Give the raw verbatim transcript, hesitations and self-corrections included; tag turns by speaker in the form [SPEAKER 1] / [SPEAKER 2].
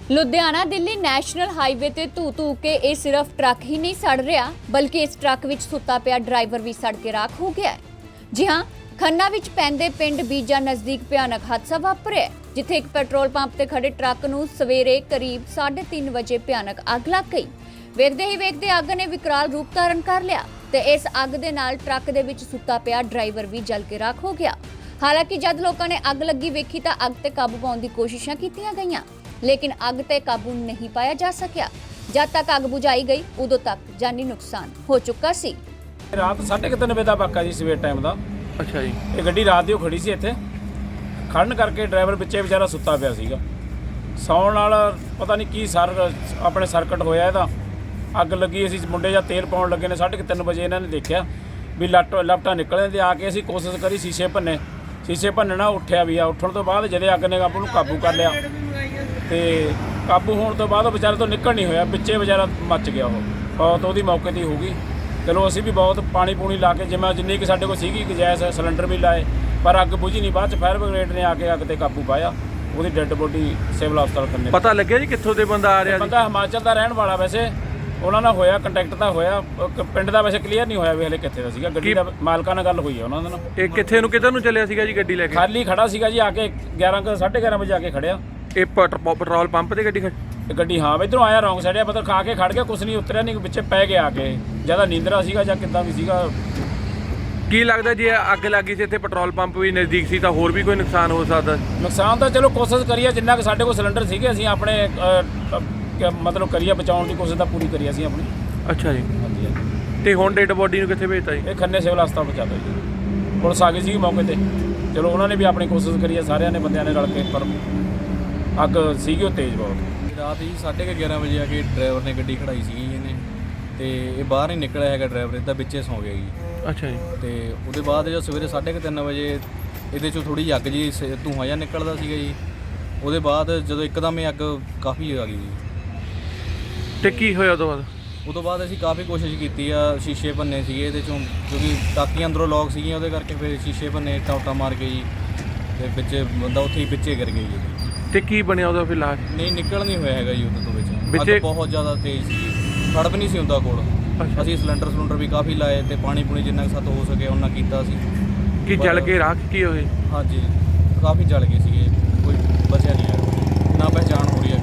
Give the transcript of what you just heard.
[SPEAKER 1] Ludhiana Delhi national highway ਤੇ ਧੂ ਧੂ ਕੇ ਇਹ ਸਿਰਫ ਟਰੱਕ ਹੀ ਨਹੀਂ ਸੜ ਰਿਹਾ ਬਲਕਿ ਇਸ ਟਰੱਕ ਵਿੱਚ ਸੁੱਤਾ ਪਿਆ ਡਰਾਈਵਰ ਵੀ ਸੜ ਕੇ ਰਾਖ ਹੋ ਗਿਆ ਹੈ। ਜੀ ਹਾਂ, ਖੰਨਾ ਵਿੱਚ ਪੈਂਦੇ ਪਿੰਡ ਬੀਜਾ ਨਜ਼ਦੀਕ ਭਿਆਨਕ ਹਾਦਸਾ ਵਾਪਰਿਆ ਜਿੱਥੇ ਇੱਕ ਪੈਟਰੋਲ ਪੰਪ ਤੇ ਖੜੇ ਟਰੱਕ ਨੂੰ ਸਵੇਰੇ ਕਰੀਬ ਸਾਢੇ ਤਿੰਨ ਵਜੇ ਭਿਆਨਕ ਅੱਗ ਲੱਗ ਗਈ। ਵੇਖਦੇ ਹੀ ਵੇਖਦੇ ਅੱਗ ਨੇ ਵਿਕਰਾਲ ਰੂਪ ਧਾਰਨ ਕਰ ਲਿਆ ਤੇ ਇਸ ਅੱਗ ਦੇ ਨਾਲ ਟਰੱਕ ਦੇ ਵਿੱਚ ਸੁੱਤਾ ਪਿਆ ਡਰਾਈਵਰ ਵੀ ਜਲ ਕੇ ਰਾਖ ਹੋ ਗਿਆ। ਹਾਲਾਂਕਿ ਜਦ ਲੋਕਾਂ ਨੇ ਅੱਗ ਲੱਗੀ ਵੇਖੀ ਤਾਂ ਅੱਗ ਤੇ ਕਾਬੂ ਪਾਉਣ ਦੀ ਕੋਸ਼ਿਸ਼ਾਂ ਕੀਤੀਆਂ ਗਈਆਂ लेकिन अग ते काबू नहीं पाया जा सकिया। जब तक अग बुझाई गई उदों तक जानी नुकसान हो चुका सी।
[SPEAKER 2] रात साढ़े तीन बजे का वाक़ा जी सवेर टाइम का।
[SPEAKER 3] अच्छा जी,
[SPEAKER 2] ये गड्डी रात दी खड़ी सी इत्थे खड़न करके ड्राइवर पिछे बेचारा सुत्ता पिया सीगा। सौण नाल पता नहीं की सर अपने सर्किट होया इहदा अग लगी। असीं मुंडे ਜਾਂ तेल पाउण लगे ने साढ़े तीन बजे इन्हां ने देखिया भी लट लपटा निकले ते आके असीं कोशिश करी शीशे भन्ने शीशे भन्नना उठिया भी आ। उठण तो बाद जदे अग ने काबू काबू कर लिया ਤੇ ਕਾਬੂ ਹੋਣ ਤੋਂ ਬਾਅਦ ਵਿਚਾਰੇ ਤੋਂ ਨਿਕਲ ਨਹੀਂ ਹੋਇਆ, ਵਿੱਚੇ ਵਿਚਾਰਾ ਮੱਚ ਗਿਆ। ਉਹ ਬਹੁਤ ਉਹਦੀ ਮੌਕੇ 'ਤੇ ਹੋ ਗਈ। ਚਲੋ ਅਸੀਂ ਵੀ ਬਹੁਤ ਪਾਣੀ ਪੂਣੀ ਲਾ ਕੇ ਜਿਵੇਂ ਜਿੰਨੀ ਕਿ ਸਾਡੇ ਕੋਲ ਸੀਗੀ ਗੈਸ ਸਿਲੰਡਰ ਵੀ ਲਾਏ ਪਰ ਅੱਗ ਬੁਝੀ ਨਹੀਂ। ਬਾਅਦ 'ਚ ਫਾਇਰ ਬ੍ਰਿਗੇਡ ਨੇ ਆ ਕੇ ਅੱਗ 'ਤੇ ਕਾਬੂ ਪਾਇਆ। ਉਹਦੀ ਡੈੱਡ ਬੋਡੀ ਸਿਵਲ ਹਸਪਤਾਲ ਕਰਨੇ।
[SPEAKER 3] ਪਤਾ ਲੱਗਿਆ ਜੀ ਕਿੱਥੋਂ ਦੇ ਬੰਦਾ ਆ ਰਿਹਾ?
[SPEAKER 2] ਬੰਦਾ ਹਿਮਾਚਲ ਦਾ ਰਹਿਣ ਵਾਲਾ, ਵੈਸੇ ਉਹਨਾਂ ਨਾਲ ਹੋਇਆ ਕੰਟੈਕਟ ਤਾਂ ਹੋਇਆ, ਪਿੰਡ ਦਾ ਵੈਸੇ ਕਲੀਅਰ ਨਹੀਂ ਹੋਇਆ ਵੀ ਹਲੇ ਕਿੱਥੇ ਦਾ ਸੀਗਾ। ਗੱਡੀ ਦਾ ਮਾਲਕਾਂ ਨਾਲ ਗੱਲ ਹੋਈ ਹੈ ਉਹਨਾਂ ਦੇ ਨਾਲ।
[SPEAKER 3] ਇਹ ਕਿੱਥੇ ਨੂੰ ਕਿੱਧਰ ਨੂੰ ਚੱਲਿਆ ਸੀਗਾ ਜੀ ਗੱਡੀ ਲੈ ਕੇ?
[SPEAKER 2] ਖਾਲੀ ਖੜਾ ਸੀਗਾ ਜੀ, ਆ ਕੇ ਗਿਆਰਾਂ ਕੁ ਸਾਢੇ ਗਿਆਰਾਂ ਵਜੇ ਆ ਕੇ ਖੜਿਆ।
[SPEAKER 3] ਇਹ ਪੈਟਰੋਲ ਪੰਪ ਤੇ ਗੱਡੀ ਖੜੀ
[SPEAKER 2] ਗੱਡੀ ਹਾਂ ਇੱਧਰੋਂ ਆਇਆ ਰੌਂਗ ਸਾਈਡ ਆ, ਮਤਲਬ ਖਾ ਕੇ ਖੜ ਗਿਆ, ਕੁਛ ਨਹੀਂ ਉਤਰਿਆ ਨਹੀਂ, ਪਿੱਛੇ ਪੈ ਗਿਆ ਆ ਕੇ। ਜਿਆਦਾ ਨੀਂਦਰਾ ਸੀਗਾ ਜਾਂ ਕਿੱਦਾਂ ਵੀ ਸੀਗਾ।
[SPEAKER 3] ਕੀ ਲੱਗਦਾ ਜੇ ਅੱਗ ਲੱਗੀ ਸੀ ਇੱਥੇ ਪੈਟਰੋਲ ਪੰਪ ਵੀ ਨਜ਼ਦੀਕ ਸੀ ਤਾਂ ਹੋਰ ਵੀ ਕੋਈ ਨੁਕਸਾਨ ਹੋ ਸਕਦਾ?
[SPEAKER 2] ਨੁਕਸਾਨ ਤਾਂ ਚਲੋ ਕੋਸ਼ਿਸ਼ ਕਰੀਏ ਜਿੰਨਾ ਕਿ ਸਾਡੇ ਕੋਲ ਸਿਲੰਡਰ ਸੀਗੇ ਅਸੀਂ ਆਪਣੇ ਮਤਲਬ ਕਰੀਏ ਬਚਾਉਣ ਦੀ ਕੋਸ਼ਿਸ਼ ਤਾਂ ਪੂਰੀ ਕਰੀ ਅਸੀਂ ਆਪਣੀ।
[SPEAKER 3] ਅੱਛਾ ਜੀ,
[SPEAKER 2] ਹਾਂਜੀ ਹਾਂਜੀ।
[SPEAKER 3] ਤੇ ਹੁਣ ਡੈਡ ਬੋਡੀ ਨੂੰ ਕਿੱਥੇ ਭੇਜਤਾ ਜੀ?
[SPEAKER 2] ਇਹ ਖੰਨੇ ਸਿਵਲ ਹਸਪਤਾਲ ਪਹੁੰਚਾ ਦਿਓ ਜੀ। ਪੁਲਿਸ ਆ ਗਈ ਸੀ ਮੌਕੇ ਤੇ। ਚਲੋ ਉਹਨਾਂ ਨੇ ਵੀ ਆਪਣੀ ਕੋਸ਼ਿਸ਼ ਕਰੀ ਹੈ, ਸਾਰਿਆਂ ਨੇ ਬੰਦਿਆਂ ਨੇ ਰਲ ਕੇ, ਪਰ ਅੱਗ ਸੀਗੀ ਉਹ ਤੇਜ਼ ਬਹੁਤ।
[SPEAKER 4] ਰਾਤ ਹੀ ਸਾਢੇ ਕੁ ਗਿਆਰਾਂ ਵਜੇ ਆ ਕੇ ਡਰਾਈਵਰ ਨੇ ਗੱਡੀ ਖੜਾਈ ਸੀਗੀ ਇਹਨੇ, ਤੇ ਇਹ ਬਾਹਰ ਨਹੀਂ ਨਿਕਲਿਆ ਹੈਗਾ ਡਰਾਈਵਰ, ਇਹਦਾ ਵਿੱਚੇ ਸੌਂ ਗਿਆ ਜੀ।
[SPEAKER 3] ਅੱਛਾ ਜੀ।
[SPEAKER 4] ਤੇ ਉਹਦੇ ਬਾਅਦ ਜਦੋਂ ਸਵੇਰੇ ਸਾਢੇ ਕੁ ਤਿੰਨ ਵਜੇ ਇਹਦੇ 'ਚੋਂ ਥੋੜ੍ਹੀ ਅੱਗ ਜੀ ਧੂੰਆਂ ਜਿਹਾ ਨਿਕਲਦਾ ਸੀਗਾ ਜੀ। ਉਹਦੇ ਬਾਅਦ ਜਦੋਂ ਇੱਕਦਮ ਇਹ ਅੱਗ ਕਾਫੀ ਆ ਗਈ ਜੀ।
[SPEAKER 3] ਤੇ ਕੀ ਹੋਇਆ ਉਦੋਂ ਬਾਅਦ?
[SPEAKER 4] ਉਦੋਂ ਬਾਅਦ ਅਸੀਂ ਕਾਫੀ ਕੋਸ਼ਿਸ਼ ਕੀਤੀ ਆ, ਸ਼ੀਸ਼ੇ ਭੰਨੇ ਸੀਗੇ ਇਹਦੇ 'ਚੋਂ ਕਿਉਂਕਿ ਟਾਕੀਆਂ ਅੰਦਰੋਂ ਲੌਕ ਸੀਗੀਆਂ, ਉਹਦੇ ਕਰਕੇ ਫਿਰ ਸ਼ੀਸ਼ੇ ਭੰਨੇ, ਟੌਟਾ ਮਾਰ ਕੇ ਜੀ, ਤੇ ਵਿੱਚੇ ਬੰਦਾ ਉੱਥੇ ਹੀ ਵਿੱਚੇ ਗਿਰ ਗਿਆ ਜੀ।
[SPEAKER 3] ਤੇ ਕੀ ਬਣਿਆ ਉਹਦਾ ਫਿਰ ਲਾਸ਼?
[SPEAKER 4] ਨਹੀਂ ਨਿਕਲ ਨਹੀਂ ਹੋਇਆ ਹੈਗਾ ਜੀ ਉਹਦੇ ਤੋਂ ਵਿੱਚ।
[SPEAKER 3] ਵਿੱਚੇ
[SPEAKER 4] ਅੱਗ ਬਹੁਤ ਜ਼ਿਆਦਾ ਤੇਜ਼ ਸੀ, ਖੜਪ ਨਹੀਂ ਸੀ ਹੁੰਦਾ ਕੋਲ। ਅਸੀਂ ਸਿਲੰਡਰ ਸਿਲੰਡਰ ਵੀ ਕਾਫੀ ਲਾਏ ਤੇ ਪਾਣੀ ਪੂਣੀ ਜਿੰਨਾ ਕੁ ਸਾਤੋਂ ਹੋ ਸਕੇ ਉਹਨਾਂ ਕੀਤਾ ਸੀ।
[SPEAKER 3] ਕੀ ਜਲ ਕੇ ਰਾਖ ਕੀ ਹੋਏ?
[SPEAKER 4] ਹਾਂਜੀ ਕਾਫੀ ਜਲ ਗਏ ਸੀਗੇ, ਕੋਈ ਬਚਿਆ ਨਹੀਂ ਹੈ, ਨਾ ਪਹਿਚਾਣ ਹੋ ਰਹੀ ਹੈ।